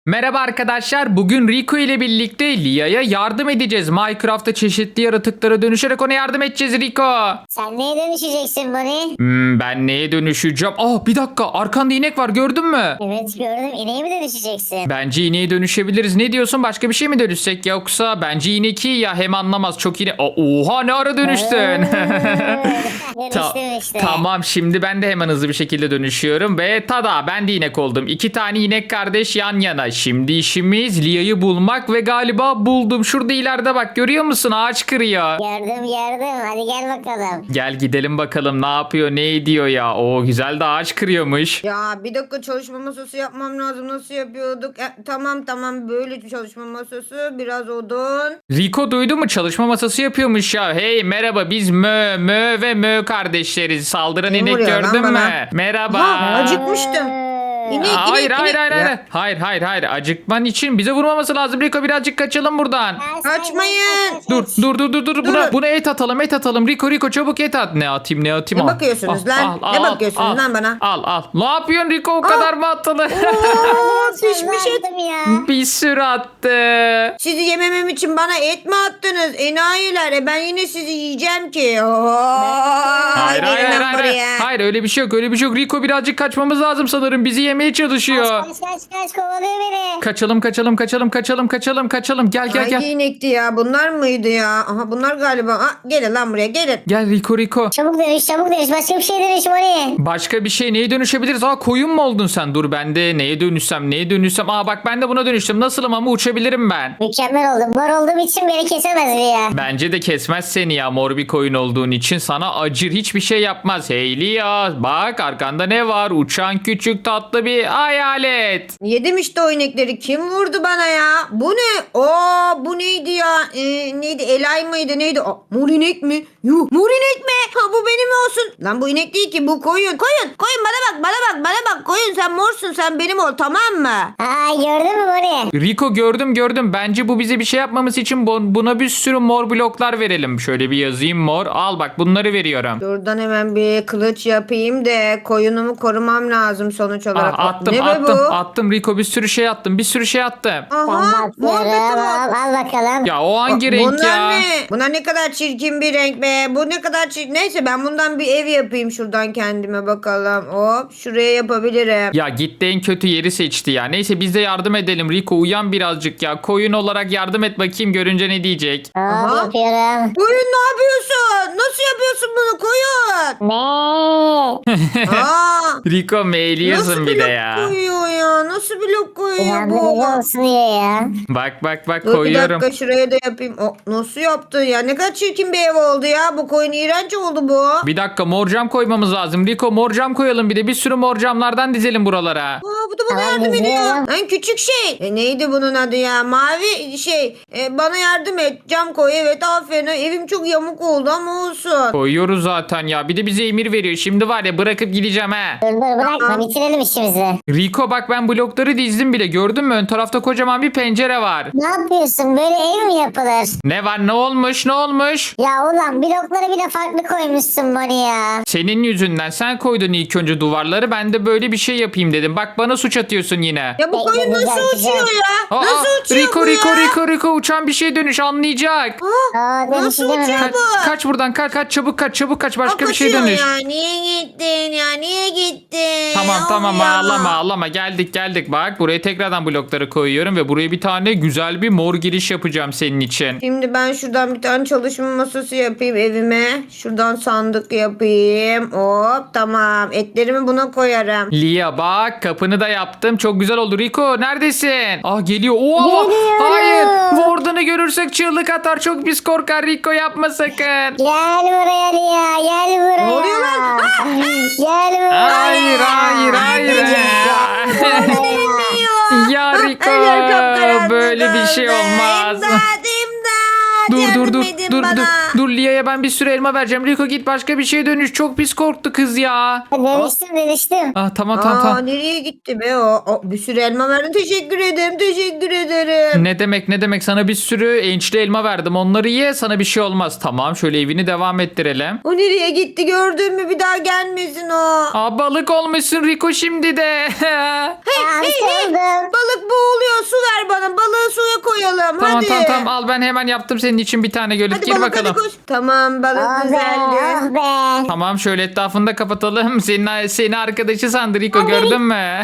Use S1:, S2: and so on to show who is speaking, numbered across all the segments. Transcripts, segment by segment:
S1: Merhaba arkadaşlar. Bugün Rico ile birlikte Lia'ya yardım edeceğiz. Minecraft'ta çeşitli yaratıklara dönüşerek ona yardım edeceğiz Rico.
S2: Sen neye dönüşeceksin Bonnie?
S1: Ben neye dönüşeceğim? Bir dakika. Arkanda inek var, gördün mü?
S2: Evet gördüm. İneğe mi dönüşeceksin?
S1: Bence ineğe dönüşebiliriz. Ne diyorsun? Başka bir şey mi dönüşsek? Yoksa bence inek iyi ya. Hem anlamaz. Çok inek. Oha, ne ara dönüştün?
S2: Dönüştüm işte.
S1: Tamam, şimdi ben de hemen hızlı bir şekilde dönüşüyorum ve tada, ben de inek oldum. 2 tane inek kardeş yan yana. Şimdi işimiz Lia'yı bulmak ve galiba buldum. Şurada ileride bak, görüyor musun? Ağaç kırıyor.
S2: Gördüm. Hadi gel bakalım.
S1: Gel gidelim bakalım ne yapıyor, ne ediyor ya. O güzel de ağaç kırıyormuş.
S3: Ya bir dakika, çalışma masası yapmam lazım. Nasıl yapıyorduk? Tamam, böyle bir çalışma masası, biraz odun.
S1: Rico duydu mu? Çalışma masası yapıyormuş ya. Hey merhaba, biz Mö ve Mö kardeşleriz. Saldıran
S3: Kim
S1: inek
S3: vuruyor lan
S1: gördün
S3: bana?
S1: mü? Merhaba.
S3: Ha, acıkmıştım. İnek,
S1: Hayır.
S3: Ya,
S1: Hayır. Acıkman için bize vurmaması lazım. Rico, birazcık kaçalım buradan.
S3: Kaçmayın.
S1: Dur. Buna et atalım. Rico çabuk et at. Ne atayım?
S3: Ne bakıyorsunuz lan? Ne bakıyorsunuz lan bana?
S1: Al. Ne yapıyorsun Rico? O kadar mı atılır?
S3: Pişmiş et.
S2: Ya.
S1: Bir sürü attı.
S3: Sizi yememem için bana et mi attınız? Enayiler. Ben yine sizi yiyeceğim ki.
S1: Hayır.
S3: Gelin lan buraya.
S1: Hayır, öyle bir şey yok. Rico, birazcık kaçmamız lazım sanırım. Bizi yemeye çalışıyor.
S2: Kaç kovalıyor beni.
S1: Kaçalım. Gel.
S3: Hangi inekti ya? Bunlar mıydı ya? Aha, bunlar galiba. Gelin lan buraya, gelin.
S1: Gel Rico.
S2: Çabuk dönüş. Başka bir şey dönüş Bonnie.
S1: Başka bir şey, neye dönüşebiliriz? Koyun mu oldun sen? Dur, ben de neye dönüşsem. Bak, ben de buna dönüştüm. Nasılım ama uçabilirim ben.
S2: Mükemmel oldum. Mor olduğum için beni kesemez bir ya.
S1: Bence de kesmez seni ya, mor bir koyun olduğun için. Sana acır, hiçbir şey yapmaz. Heyli ya, bak arkanda ne var? Uçan küçük tatlı bir hayalet.
S3: Yedim işte o inekleri. Kim vurdu bana ya? Bu ne? Bu neydi ya? Neydi? Elay mıydı? Neydi? Mor inek mi? Yuh, mor inek mi? Ha, bu benim olsun. Lan bu inek değil ki, bu koyun. Koyun bana bak. Koyun, sen morsun, sen benim ol, tamam mı?
S2: Gördün mü Bonnie?
S1: Rico, gördüm. Bence bu bize bir şey yapmamız için buna bir sürü mor bloklar verelim. Şöyle bir yazayım, mor. Al bak, bunları veriyorum.
S3: Şuradan hemen bir kılıç yapayım da koyunumu korumam lazım sonuç olarak.
S1: Attım
S3: Ne be bu?
S1: attım Rico, bir sürü şey attım.
S3: Aha, mor
S2: Atıyorum.
S3: beton.
S2: Al bakalım.
S1: Ya o hangi renk
S3: Bunlar
S1: ya?
S3: ne? Bunlar ne kadar çirkin bir renk be. Bu ne kadar çirkin. Neyse, ben bundan bir ev yapayım şuradan kendime, bakalım. Hop, şuraya yapabilirim.
S1: Ya gitti, en kötü yeri seçti ya. Neyse, biz de yardım edelim. Rico, uyan birazcık ya. Koyun olarak yardım et bakayım, görünce ne diyecek.
S2: Hop yapıyorum.
S3: Koyun, ne yapıyorsun? Nasıl yapıyorsun bunu koyun?
S2: Ne?
S1: Rico meyliyorsun
S3: Nasıl
S1: bir de
S3: blok
S1: ya.
S3: koyuyor ya? Nasıl blok koyuyor bu?
S2: İnandırıcı olsun diye ya.
S1: Bak
S3: Dur bir
S1: koyuyorum.
S3: dakika, şuraya da yapayım. Nasıl yaptın ya? Ne kadar çirkin bir ev oldu ya. Bu koyun iğrenç oldu bu.
S1: Bir dakika, mor cam koymamız lazım. Rico, mor cam koyalım, bir de bir sürü mor camlardan dizelim buralara.
S3: Bu da bana
S2: Tamam,
S3: yardım ediyor.
S2: izliyorum.
S3: En küçük şey. Neydi bunun adı ya? Mavi şey. Bana yardım et. Cam koy. Evet, aferin. Evim çok yamuk oldu ama olsun.
S1: Koyuyoruz zaten ya. Bir de bize emir veriyor. Şimdi var ya, bırakıp gideceğim ha.
S2: Dur bırakma bitirelim işimizi.
S1: Rico bak, ben blokları dizdim bile. Gördün mü? Ön tarafta kocaman bir pencere var.
S2: Ne yapıyorsun? Böyle ev mi yapılır?
S1: Ne var? Ne olmuş?
S2: Ya ulan blokları bile farklı koymuşsun Bonnie ya.
S1: Senin yüzünden, sen koydun ilk önce duvarları. Ben de böyle bir şey yapayım dedim. Bak, bana suç atıyorsun yine.
S3: Ya bu koyun
S2: Güzel,
S3: nasıl
S2: güzel.
S3: uçuyor ya?
S1: Aa,
S3: Nasıl uçuyor
S1: Rico,
S3: bu ya?
S1: Rico uçan bir şey dönüş, anlayacak.
S3: Nasıl uçuyor
S1: Kaç,
S3: bu?
S1: kaç buradan, kaç çabuk kaç, başka bir şey
S3: Kaçıyor
S1: dönüş.
S3: ya. Niye gittin ya? Niye gittin?
S1: Tamam,
S3: Ya.
S1: ağlama, geldik bak, buraya tekrardan blokları koyuyorum ve buraya bir tane güzel bir mor giriş yapacağım senin için.
S3: Şimdi ben şuradan bir tane çalışma masası yapayım evime. Şuradan sandık yapayım. Hop, tamam. Etlerimi buna koyarım.
S1: Lia bak, kapını da yaptım, çok güzel oldu. Rico neredesin? Geliyor.
S2: Geliyorum.
S1: Hayır, Warden'ı görürsek çığlık atar, çok pis korkar. Rico, yapma sakın.
S2: Gel buraya Lia gel buraya.
S3: Ne oluyor lan?
S2: Gel buraya.
S1: Hayır. Ya Rico,
S3: Her yer kapkaranlık
S1: böyle bir şey
S3: oldu.
S1: olmaz.
S3: İmdat.
S1: Dur
S3: yardım edin bana.
S1: dur Lia'ya ben bir sürü elma vereceğim. Rico git başka bir şeye dönüş. Çok pis korktu kız ya.
S2: Dönüştüm.
S1: Tamam.
S3: Nereye gitti be o? Bir sürü elma verdin. Teşekkür ederim.
S1: Ne demek sana bir sürü ençli elma verdim. Onları ye sana bir şey olmaz. Tamam şöyle evini devam ettirelim.
S3: O nereye gitti gördün mü? Bir daha gelmesin o.
S1: Balık olmuşsun Rico şimdi de.
S2: Hey.
S3: Balık boğuluyor. Su ver bana. Balığı suya koyalım. Hadi.
S1: Tamam al ben hemen yaptım senin için bir tane gölet.
S3: Hadi
S1: Gir
S3: balık
S1: bakalım.
S3: hadi koş. Tamam balık
S2: Oh be,
S3: güzeldi.
S2: oh be.
S1: Tamam şöyle etrafını da kapatalım. Seni arkadaşı sandı Rico gördün mü?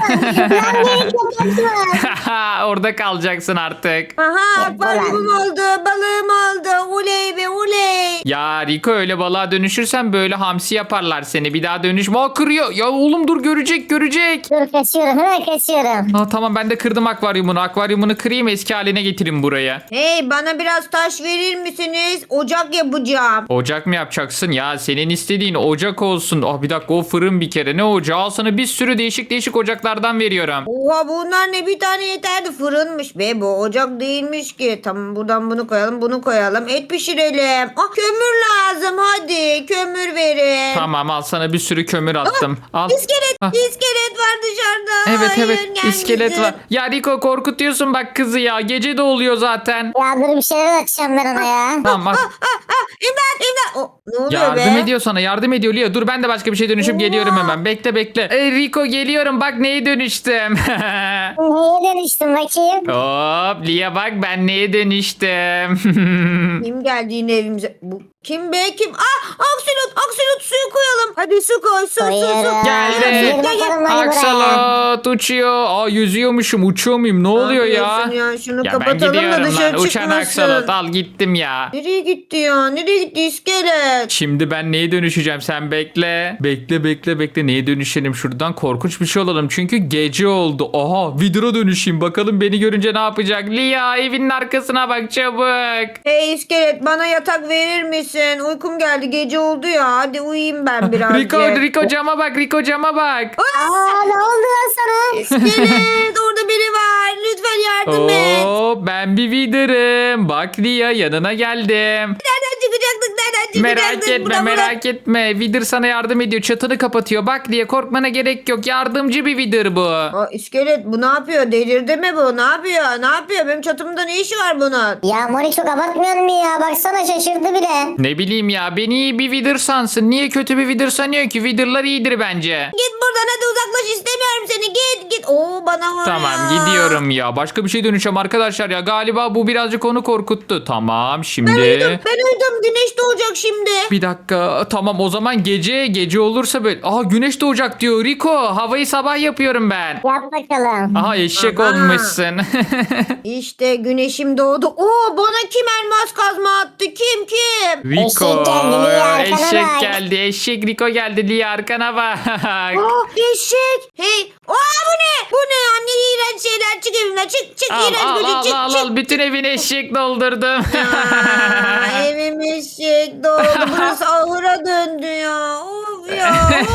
S1: Orada kalacaksın artık.
S3: Aha akvaryumum oldu. Balığım oldu. Uley be uley.
S1: Ya Rico öyle balığa dönüşürsen böyle hamsi yaparlar seni. Bir daha dönüşme. Kırıyor. Ya oğlum dur görecek.
S2: Dur kaçıyorum hemen kaçıyorum.
S1: Tamam ben de kırdım akvaryumunu. Akvaryumunu kırayım eski haline getireyim buraya.
S3: Hey bana biraz taş verir misiniz? Ocak yapacağım.
S1: Ocak mı yapacaksın? Ya senin istediğin ocak olsun. Bir dakika o fırın bir kere. Ne ocağı? Al sana bir sürü değişik ocaklardan veriyorum.
S3: Oha bunlar ne bir tane yeterdi fırınmış be bu ocak değilmiş ki. Tamam buradan bunu koyalım et pişirelim. Kömür lazım hadi kömür verin.
S1: Tamam al sana bir sürü kömür attım. Al.
S3: İskelet var dışarıda.
S1: Evet
S3: Hayır,
S1: iskelet
S3: gelmesin.
S1: var. Ya Rico korkutuyorsun bak kızı ya. Gece de oluyor zaten.
S2: Ya dur bir şeyler atacağım ben ona ya.
S1: Tamam bak.
S3: İmdat. Ne oluyor be?
S1: Yardım ediyor sana yardım ediyor Lia. Dur ben de başka bir şey dönüşüp geliyorum hemen. Bekle. Rico geliyorum bak neye dönüştüm.
S2: Neye dönüştüm bakayım?
S1: Hop Lia bak ben neye dönüştüm.
S3: Kim geldi yine evimize? Bu kim be kim? Aksolot suyu koyalım. Hadi su koy su.
S2: Koyuyorum.
S1: Geldi.
S2: Gir bakalım hadi buraya.
S1: Aksalot uçuyor. Yüzüyormuşum uçuyor muyum? Ne oluyor ya?
S3: Şunu
S1: Ya ben
S3: kapatalım da
S1: gidiyorum
S3: dışarı
S1: lan. Uçan
S3: çıkmasın.
S1: aksalot al gittim ya.
S3: Nereye gitti ya? Nereye gitti iskelet?
S1: Şimdi ben neye dönüşeceğim sen bekle. Bekle neye dönüşelim şuradan korkunç bir şey olalım. Çünkü gece oldu. Aha Vidra dönüşeyim bakalım beni görünce ne yapacak. Lia evinin arkasına bak çabuk.
S3: Hey iskelet bana yatak verir misin? Uykum geldi gece oldu ya. Hadi uyuyayım ben birazcık.
S1: Rico cama bak Rico cama bak.
S2: Ne oldu lan sana?
S3: İskelet orada biri var. Lütfen yardım et.
S1: Oo ben bir Vidra'rım. Bak Lia yanına geldim.
S3: Nereden çıkacaktık?
S1: Merak etme. Vidr sana yardım ediyor. Çatını kapatıyor. Bak diye korkmana gerek yok. Yardımcı bir Vidr bu.
S3: İskelet bu ne yapıyor? Delirdi mi bu? Ne yapıyor? Benim çatımda ne işi var bunun?
S2: Ya Moni çok abartmıyor mu ya? Baksana şaşırdı bile.
S1: Ne bileyim ya beni iyi bir Vidr sansın. Niye kötü bir Vidr sanıyor ki? Vidr'lar iyidir bence.
S3: Git buradan hadi uzaklaş istemiyorum seni. Git. Bana var
S1: Tamam
S3: ya.
S1: gidiyorum ya. Başka bir şey dönüşeceğim arkadaşlar ya. Galiba bu birazcık onu korkuttu. Tamam şimdi.
S3: Ben uyudum. Güneş doğacak şimdi.
S1: Bir dakika. Tamam o zaman gece olursa böyle. Güneş doğacak diyor Rico. Havayı sabah yapıyorum ben.
S2: Yap bakalım.
S1: Aha eşek
S3: Aha.
S1: olmuşsun.
S3: İşte güneşim doğdu. Bana kim elmas kazma attı? Kim?
S1: Rico.
S2: Eşek geldi, Lia arkana
S1: Eşek
S2: bak.
S1: geldi. Eşek Rico geldi. Lia arkana bak.
S3: Eşek. Hey. Bu ne? Bu ne ya? Ne iğrenç şeyler. Çık evimden. Çık. İğrenç böcek. Çık.
S1: al. Bütün evini eşek doldurdum.
S3: Evim eşek doldu. Burası ahıra döndü ya. Of ya.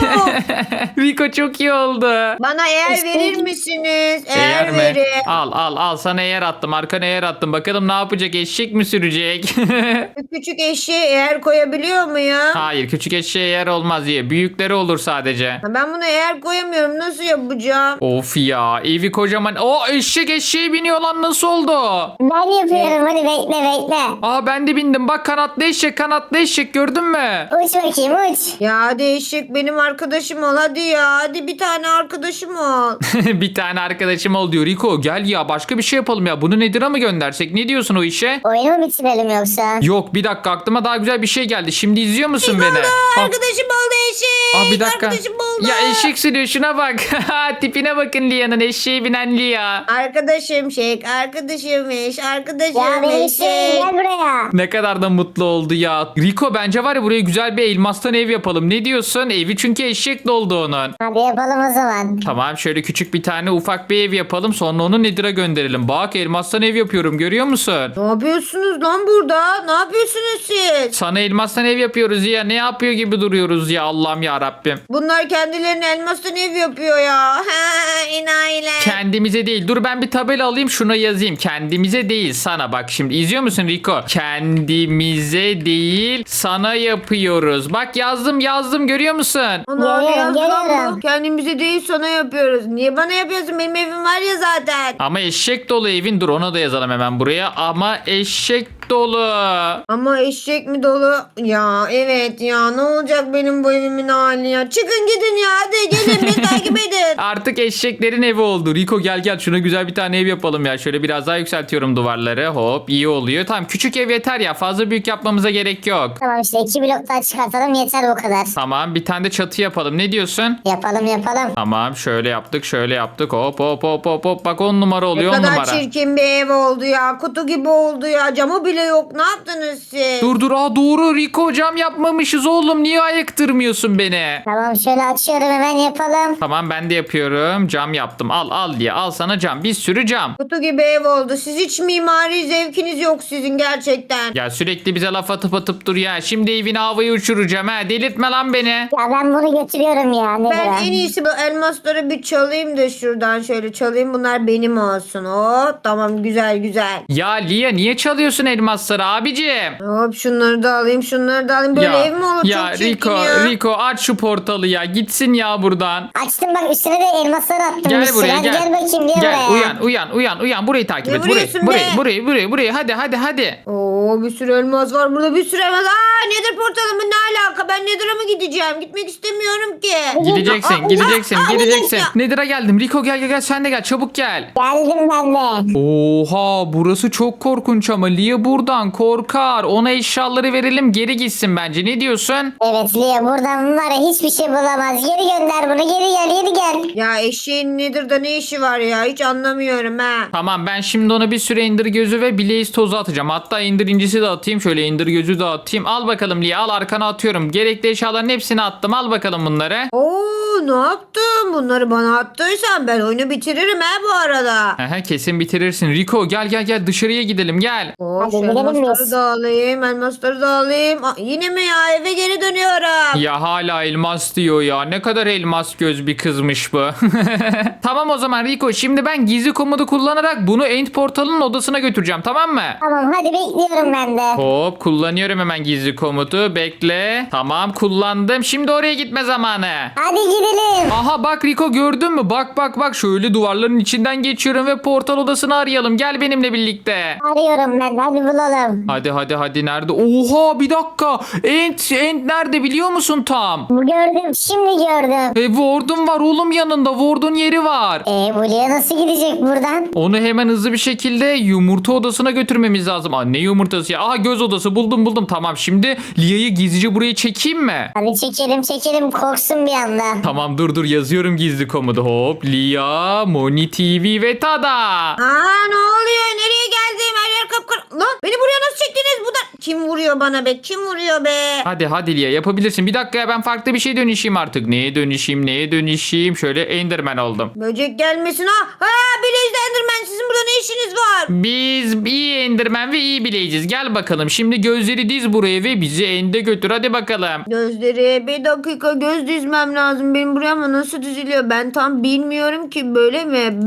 S1: Rico çok iyi oldu.
S3: Bana eğer verir misiniz? Eğer
S1: mi?
S3: verin.
S1: Al sana eğer attım. Arkana eğer attım. Bakalım ne yapacak? Eşek mi sürecek?
S3: Küçük eşeğe eğer koyabiliyor muyum?
S1: Hayır küçük eşeğe yer olmaz diye. Büyükleri olur sadece.
S3: Ben bunu eğer koyamıyorum. Nasıl yapacağım?
S1: Of ya evi kocaman. Eşek eşeğe biniyor lan nasıl oldu?
S2: Ben yapıyorum hadi bekle.
S1: Ben de bindim. Bak kanatlı eşek gördün mü?
S2: Uç bakayım uç.
S3: Ya hadi eşek benim arkadaşım ol hadi ya. Hadi bir tane arkadaşım ol.
S1: Bir tane arkadaşım ol diyor. Rico gel ya başka bir şey yapalım ya. Bunu Nedir'a mı göndersek? Ne diyorsun o işe?
S2: Oyunu mu bitirelim yoksa?
S1: Yok bir dakika aklıma daha güzel bir şey geldi. Şimdi izliyor musun beni?
S3: Arkadaşım oldu eşek.
S1: Bir dakika.
S3: Arkadaşım oldu.
S1: Ya eşek sürüyor şuna bak. Tipine bakın Lia'nın eşeğe binen Lia.
S3: Arkadaşım şek. Arkadaşımmış. Arkadaşım
S2: Ya benim şey
S3: eşek.
S2: gel buraya.
S1: Ne kadar da mutlu oldu ya. Rico bence var ya buraya güzel bir elmastan ev yapalım. Ne diyorsun? musun? Evi çünkü eşek doldu onun.
S2: Hadi yapalım o zaman.
S1: Tamam şöyle küçük bir tane ufak bir ev yapalım. Sonra onu Nedir'a gönderelim. Bak elmastan ev yapıyorum görüyor musun?
S3: Ne yapıyorsunuz lan burada? Ne yapıyorsunuz siz?
S1: Sana elmastan ev yapıyoruz ya. Ne yapıyor gibi duruyoruz ya Allah'ım ya Rabbim.
S3: Bunlar kendilerine elmastan ev yapıyor ya. Ha, enayiler.
S1: Kendimize değil. Dur ben bir tabela alayım şuna yazayım. Kendimize değil sana bak şimdi. İzliyor musun Rico? Kendimize değil sana yapıyoruz. Bak yazdım görüyor musun?
S3: Ana ne
S2: Görüyorum,
S3: yazdı lan
S2: görüyorum.
S3: bu? Kendimize değil sana yapıyoruz. Niye bana yapıyorsun? Benim evim var ya zaten.
S1: Ama eşek dolu evin. Dur ona da yazalım hemen buraya. Ama eşek dolu.
S3: Ama eşek mi dolu? Ya evet ya ne olacak benim bu evimin hali ya. Çıkın gidin ya hadi gelin beni takip edin.
S1: Artık eşeklerin evi oldu. Rico gel şuna güzel bir tane ev yapalım ya. Şöyle biraz daha yükseltiyorum duvarları. Hop iyi oluyor. Tamam küçük ev yeter ya. Fazla büyük yapmamıza gerek yok.
S2: Tamam işte 2 blok daha çıkartalım yeter bu kadar.
S1: Tamam bir tane de çatı yapalım. Ne diyorsun?
S2: Yapalım.
S1: Tamam şöyle yaptık. Hop. Bak 10 numara
S3: Ne
S1: oluyor 10
S3: kadar
S1: numara.
S3: çirkin bir ev oldu ya. Kutu gibi oldu ya. Camı bile yok. Ne yaptınız siz?
S1: Dur doğru Rico cam yapmamışız oğlum. Niye ayıktırmıyorsun beni?
S2: Tamam şöyle açıyorum hemen yapalım.
S1: Tamam ben de yapıyorum. Cam yaptım. Al diye. Al sana cam. Bir sürü cam.
S3: Kutu gibi ev oldu. Siz hiç mimari zevkiniz yok sizin gerçekten.
S1: Ya sürekli bize laf atıp dur ya. Şimdi evini havaya uçuracağım ha. Delirtme lan beni.
S2: Ya ben bunu götürüyorum ya. Nedir
S3: Ben
S2: o?
S3: en iyisi bu elmasları bir çalayım da şuradan şöyle çalayım. Bunlar benim olsun. Hop tamam güzel.
S1: Ya Lia niye çalıyorsun elmasları abicim?
S3: Hop şunları da alayım şunları da alayım. Böyle ev mi olur?
S1: ya
S3: Çok çirkin
S1: Rico aç şu portalı ya. Gitsin ya buradan.
S2: Açtım bak üstüne de elmasları attım.
S1: Gel
S2: bir sürü.
S1: buraya
S2: Hadi
S1: gel.
S2: gel bakayım gel buraya.
S1: Uyan. Burayı takip
S3: Ne
S1: et.
S3: vuruyorsun be?
S1: Burayı. Hadi.
S3: Oo bir sürü elmas var burada bir sürü elmas. Aa nedir portalımın ne alaka? Ben Nether'a mı gideceğim? Gitmek istemiyorum ki.
S1: Gideceksin.
S3: Ya.
S1: Nedir'a geldim. Rico gel sen de gel. Çabuk gel.
S2: Geldim ben de.
S1: Oha burası çok korkunç ama Lia buradan korkar. Ona eşyaları verelim geri gitsin bence. Ne diyorsun?
S2: Evet Lia buradan var ya hiçbir şey bulamaz. Geri gönder bunu geri gel.
S3: Ya eşeğin Nether'da ne işi var ya? Hiç anlamıyorum ha.
S1: Tamam ben şimdi ona bir süre Ender gözü ve Blaze tozu atacağım. Hatta Ender incisi de atayım. Şöyle Ender gözü de atayım. Al bakalım Lia al arkana atıyorum. Gerekli eşyaların hepsini attım. Al bakalım bunları.
S3: Oo ne yaptın? Bunları bana attıysan ben oyunu bitiririm ha bu arada.
S1: Aha, kesin bitirirsin. Rico gel dışarıya gidelim gel.
S3: Oo,
S2: Hadi
S3: şu
S2: gidelim
S3: elmasları
S2: biz.
S3: da alayım. Elmasları da alayım. Aa, yine mi ya? Eve geri dönüyorum.
S1: Ya hala elmas diyor ya. Ne kadar elmas göz bir kızmış bu. Tamam o zaman Rico şimdi ben gizli komodu kullanarak bunu End Portal'ın odasına götüreceğim tamam mı?
S2: Tamam hadi bekliyorum ben de.
S1: Hop kullanıyorum hemen gizli komutu. Bekle. Tamam kullandım. Şimdi oraya gitme zamanı.
S2: Hadi gidelim.
S1: Aha bak Rico gördün mü? Bak şöyle duvarların içinden geçiyorum ve portal odasını arayalım. Gel benimle birlikte.
S2: Arıyorum ben de hadi bulalım.
S1: Hadi nerede? Oha bir dakika. End nerede biliyor musun tam?
S2: Gördüm şimdi gördüm.
S1: Ward'un var oğlum yanında. Ward'un yeri var.
S2: Bu Lia nasıl gidecek buradan?
S1: Onu hemen hızlı bir şekilde yumurta odasına götürmemiz lazım. Aa, ne yumurtası ya? Aha göz odası buldum. Tamam şimdi Lia'yı gizlice buraya çekeyim mi?
S2: Hadi çekelim korksun bir anda.
S1: Tamam dur yazıyorum gizli komodu. Hop Lia, Moni TV ve Tada.
S3: Aa ne oluyor? Nereye geldim? Her yer kapkara. Lan beni buraya nasıl çektiniz? Bu da... Kim vuruyor bana be? Kim vuruyor be?
S1: Hadi Lia yapabilirsin. Bir dakika ya ben farklı bir şey dönüşeyim artık. Neye dönüşeyim? Şöyle Enderman oldum.
S3: Böcek gelmesin ha. Ha Blaze Enderman sizin burada ne işiniz var?
S1: Biz iyi Enderman ve iyi bileceğiz. Gel bakalım. Şimdi gözleri diz buraya ve bizi End'e götür. Hadi bakalım.
S3: Gözleri bir dakika göz dizmem lazım. Benim buraya ama nasıl diziliyor? Ben tam bilmiyorum ki böyle mi?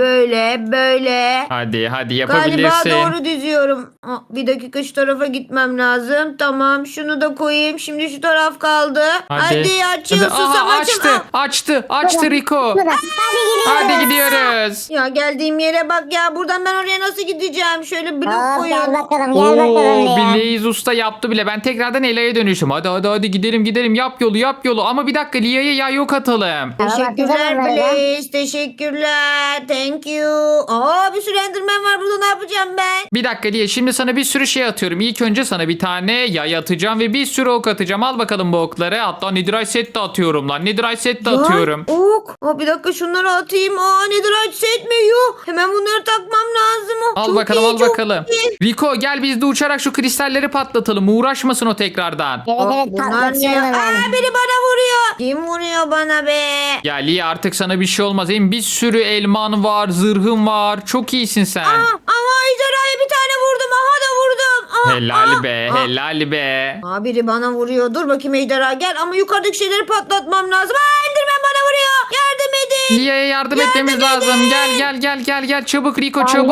S3: Böyle.
S1: Hadi yapabilirsin.
S3: Galiba doğru diziyorum. Aa, bir dakika şu tarafa gitmem lazım. Tamam şunu da koyayım. Şimdi şu taraf kaldı. Hadi açıl susam açıl.
S1: Açtı Rico.
S2: Hadi gidelim.
S1: Hadi gidiyoruz.
S3: Ya geldiğim yere bak ya. Buradan ben oraya nasıl gideceğim? Şöyle blok
S2: Gel
S3: koyun.
S2: bakalım
S1: Oo,
S2: Lia.
S1: Blaze Usta yaptı bile. Ben tekrardan Ela'ya dönüştüm. Hadi gidelim. Yap yolu. Ama bir dakika Lia'ya yay yok atalım.
S3: Teşekkürler
S2: Tamam, atacağım
S3: Blaze. Teşekkürler. Thank you. Aa bir sürü Enderman var burada ne yapacağım ben?
S1: Bir dakika Lia şimdi sana bir sürü şey atıyorum. İlk önce sana bir tane yay atacağım ve bir sürü ok atacağım. Al bakalım bu okları. Hatta Netherite set de atıyorum lan. Netherite set de atıyorum.
S3: Lan, ok. Aa, bir dakika şunları atayım. Aa Netherite set mi? Yuh. Hemen bunları takmam lazım. Oh,
S1: Al
S3: çok
S1: bakalım
S3: iyi,
S1: al
S3: çok
S1: bakalım.
S3: iyi.
S1: Rico gel biz de uçarak şu kristalleri patlatalım. Uğraşmasın o tekrardan.
S2: Evet evet
S3: Bunlar ne?
S2: patlatıyorum ben.
S3: Aa, biri bana vuruyor. Kim vuruyor bana be?
S1: Ya Lia artık sana bir şey olmaz. Hem bir sürü elman var, zırhın var. Çok iyisin sen.
S3: Ama ejderhaya bir tane vurdum. Aha da vurdum.
S1: Helal be, helal be.
S3: Aa, biri bana vuruyor. Dur bakayım ejderha gel. Ama yukarıdaki şeyleri patlatmam lazım. Aa, Enderman bana vuruyor. Yardım edin.
S1: Lia'ya yardım etmemiz lazım. Gel çabuk Rico çabuk.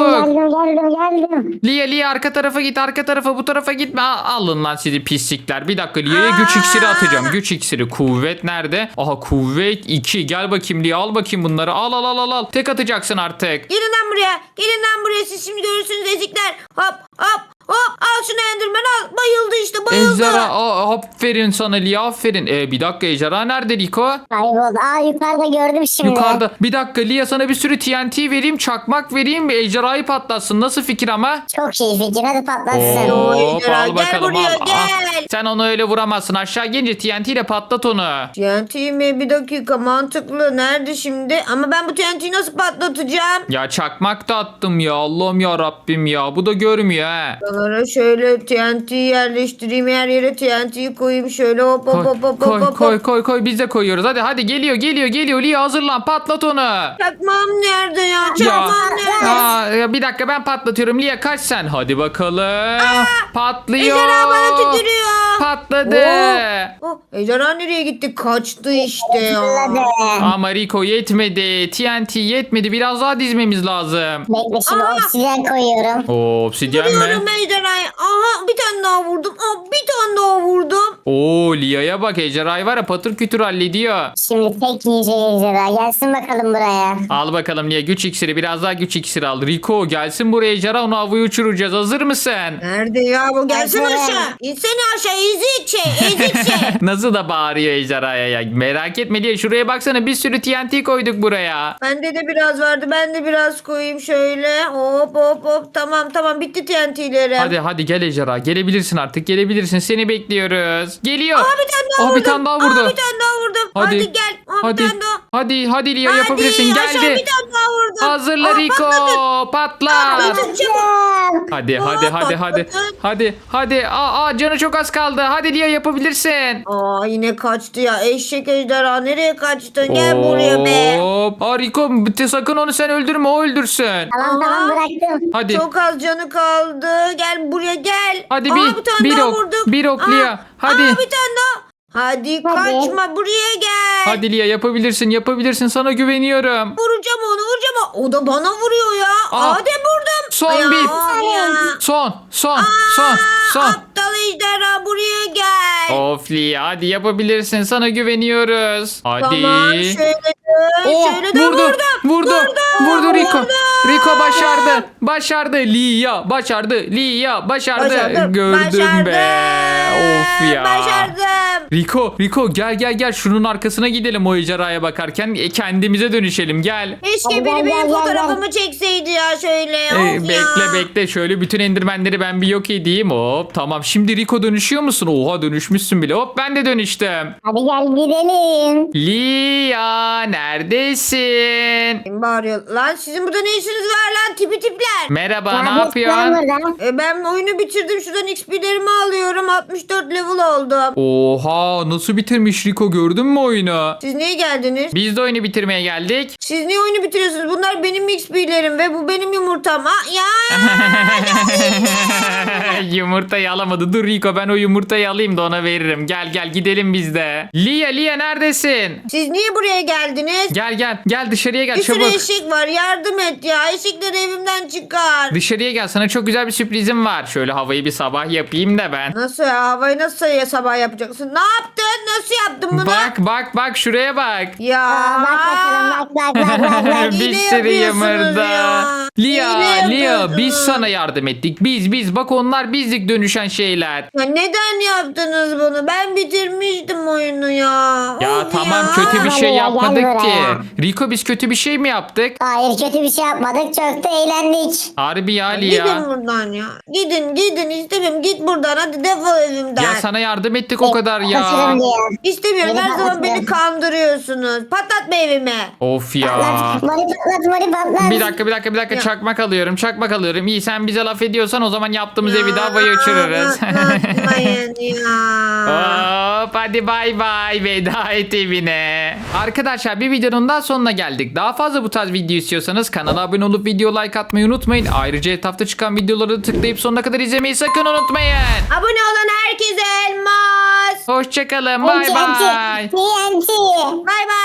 S2: Geldim.
S1: Lia arka tarafa git, arka tarafa, bu tarafa gitme. Alın lan sizi pislikler. Bir dakika Lia'ya güç iksiri atacağım. Güç iksiri. Kuvvet nerede? Aha kuvvet 2. Gel bakayım Lia, al bakayım bunları. Al. Tek atacaksın artık.
S3: Gelin lan buraya. Gelin lan buraya. Siz şimdi görürsünüz ezikler. Hop. Al şunu Enderman al. Bayıldı işte bayıldı.
S1: Ejderha, aferin sana Lia, aferin. Bir dakika ejderha nerede Rico?
S2: Kayboldu. Yukarıda gördüm şimdi.
S1: Yukarıda. Bir dakika Lia sana bir sürü TNT vereyim, çakmak vereyim, ejderhayı patlatsın. Nasıl fikir ama?
S2: Çok iyi fikir. Hadi patlatsın.
S3: Oo.
S1: Hop,
S3: ejderha,
S1: al
S3: gel
S1: bakalım
S3: buraya,
S1: al.
S3: gel.
S1: Sen onu öyle vuramazsın. Aşağı gelince TNT ile patlat onu.
S3: TNT mi? Bir dakika mantıklı. Nerede şimdi? Ama ben bu TNT'yi nasıl patlatacağım?
S1: Ya çakmak da attım ya. Allah'ım ya Rabbim ya. Bu da görmüyor ha.
S3: Buralara şöyle TNT'yi yerleştireyim. Her yere TNT'yi koyayım. Şöyle hop.
S1: Koy. Biz de koyuyoruz. Hadi geliyor. Lia hazırlan. Patlat onu.
S3: Çakmağım nerede ya?
S1: Ya,
S3: Çakmağım nerede?
S1: ya bir dakika ben patlatıyorum. Lia kaç sen. Hadi bakalım. Patlıyor.
S3: Ejderha bana tükürüyor.
S1: Patladı.
S3: Ejderha nereye gitti? Kaçtı işte ya.
S2: Patladı.
S1: Ama Rico yetmedi. TNT yetmedi. Biraz daha dizmemiz lazım.
S2: Bekle şimdi obsidyen koyuyorum.
S1: Obsidyen mi?
S3: Vuruyorum ejderhayı. Aha bir tane daha vurdum. Bir tane daha vurdum.
S1: Lia'ya bak ejderhayı var ya patır kütür hallediyor.
S2: Şimdi tek yiyecek ejderha. Gelsin bakalım buraya.
S1: Al bakalım Lia güç iksiri, biraz daha güç iksiri al. Rico gelsin buraya ejderha, onu havaya uçuracağız. Hazır mısın?
S3: Nerede ya bu? Gelsin
S2: Ejderha.
S3: aşağı. İnsene aşağı. Ezik şey.
S1: Nasıl da bağırıyor ejderhaya ya. Merak etme Lia, şuraya baksana, bir sürü TNT koyduk buraya.
S3: Bende de biraz vardı. Ben de biraz koyayım şöyle. Hop. Tamam. Bitti TNT'lerim.
S1: Hadi gel ejderha, gelebilirsin artık, gelebilirsin, seni bekliyoruz. Geliyor.
S3: Bir tane daha vurdum.
S1: Bir tane daha vurdu.
S3: Bir tane daha vurdum. Hadi gel. Bir tane daha.
S1: Hadi Lia yapabilirsin,
S3: Hadi aşağı
S1: geldi.
S3: bir tane daha vurdum.
S1: Hazırla Rico, patla.
S3: Patladı.
S1: Hadi. Canı çok az kaldı. Hadi Lia yapabilirsin.
S3: Yine kaçtı ya. Eşek ejderha nereye kaçtın? Gel buraya be.
S1: Hop. Rico sakın onu sen öldürme, o öldürsün.
S2: Tamam bıraktım.
S1: Hadi.
S3: Çok az canı kaldı. Gel buraya gel.
S1: Hadi
S3: bir tane
S1: bir
S3: daha
S1: ok.
S3: vurduk.
S1: Bir ok Lia. Hadi.
S3: Bir tane daha. Hadi kaçma buraya gel.
S1: Hadi Lia yapabilirsin. Sana güveniyorum.
S3: Vuracağım onu. O da bana vuruyor ya. Hadi vurdum.
S1: Son bir.
S3: Ya.
S1: Son.
S3: Aptal ejderha buraya gel.
S1: Of Lia, hadi yapabilirsin. Sana güveniyoruz. Hadi.
S3: Tamam şöyle de
S1: Vurdu Rico. Rico başardı. Lia başardı. Gördüm be. Of ya.
S3: Başardım.
S1: Rico gel şunun arkasına gidelim o ejderhaya bakarken. Kendimize dönüşelim, gel.
S3: Keşke
S2: Hadi
S3: biri
S2: gel,
S3: benim
S2: gel,
S3: fotoğrafımı çekseydi ya şöyle. Of ya.
S1: Bekle şöyle bütün endirmenleri ben bir yok edeyim. Hop tamam, şimdi Rico dönüşüyor musun? Oha dönüşmüşsün bile. Hop ben de dönüştüm.
S2: Hadi gel gidelim.
S1: Lia neredesin?
S3: Kim bağırıyor? Lan sizin burada ne işiniz var lan tipler?
S1: Merhaba, ne
S2: Neredesin
S1: yapıyorsun?
S2: burada?
S3: Ben oyunu bitirdim. Şuradan XP'lerimi alıyorum. 64 level oldum.
S1: Oha nasıl bitirmiş Rico, gördün mü oyunu?
S3: Siz niye geldiniz?
S1: Biz de oyunu bitirmeye geldik.
S3: Siz niye oyunu bitiriyorsunuz? Bunlar benim XP'lerim ve bu benim yumurtam. Ya.
S1: Yumurtayı alamadı. Dur Rico, ben o yumurtayı alayım da ona veririm. Gel gidelim biz de. Lia neredesin?
S3: Siz niye buraya geldiniz?
S1: Gel dışarıya gel
S3: Bir sürü
S1: çabuk.
S3: eşek var. Yardım et ya. Eşekleri evimden çıkar.
S1: Dışarıya gel, sana çok güzel bir sürprizim var. Şöyle havayı bir sabah yapayım da ben.
S3: Nasıl ya? Havayı nasıl ya sabah yapacaksın? Ne yaptın? Nasıl yaptın bunu?
S1: Bak şuraya bak.
S3: Ya.
S2: Bak bakalım bak.
S1: Bir
S3: Hile
S1: sürü
S3: yapıyorsunuz
S1: yumurta.
S3: ya. Hile
S1: Lia biz
S3: yapıyorsunuz.
S1: sana yardım ettik. Biz bak onlar bizlik dönüşen şeyler.
S3: Ya neden yaptınız bunu? Ben bitirmiştim oyunu ya.
S1: Ya
S3: Of
S1: tamam
S3: ya.
S1: kötü bir şey
S2: Gel
S1: yapmadık
S2: buraya.
S1: ki. Rico biz kötü bir şey mi yaptık?
S2: Hayır kötü bir şey yapmadık. Çok da eğlendik.
S1: Harbi ya
S3: Gidin
S1: Lia.
S3: buradan ya. Gidin istemiyorum. Git buradan hadi defol evimden.
S1: Ya sana yardım ettik o kadar ya.
S2: Kaçırın diyor.
S3: İstemiyorum.
S2: Beni
S3: Her zaman beni
S2: patlatma.
S3: kandırıyorsunuz. Patlatma evimi.
S1: Of ya.
S2: Patlat. Mori patlat.
S1: Bir dakika
S3: Ya.
S1: çakmak alıyorum. İyi sen bize laf ediyorsan o zaman yaptığımız evi de havaya uçururuz.
S3: Patlatmayın ya.
S1: Hop hadi bay bay veda et evine. Arkadaşlar bir videonun daha sonuna geldik. Daha fazla bu tarz video istiyorsanız kanala abone olup video like atmayı unutmayın. Ayrıca etrafta çıkan videoları da tıklayıp sonuna kadar izlemeyi sakın unutmayın.
S3: Abone olan herkese elmas.
S1: Hoşçakalın bay bay.
S2: TNT.
S3: Bay bay.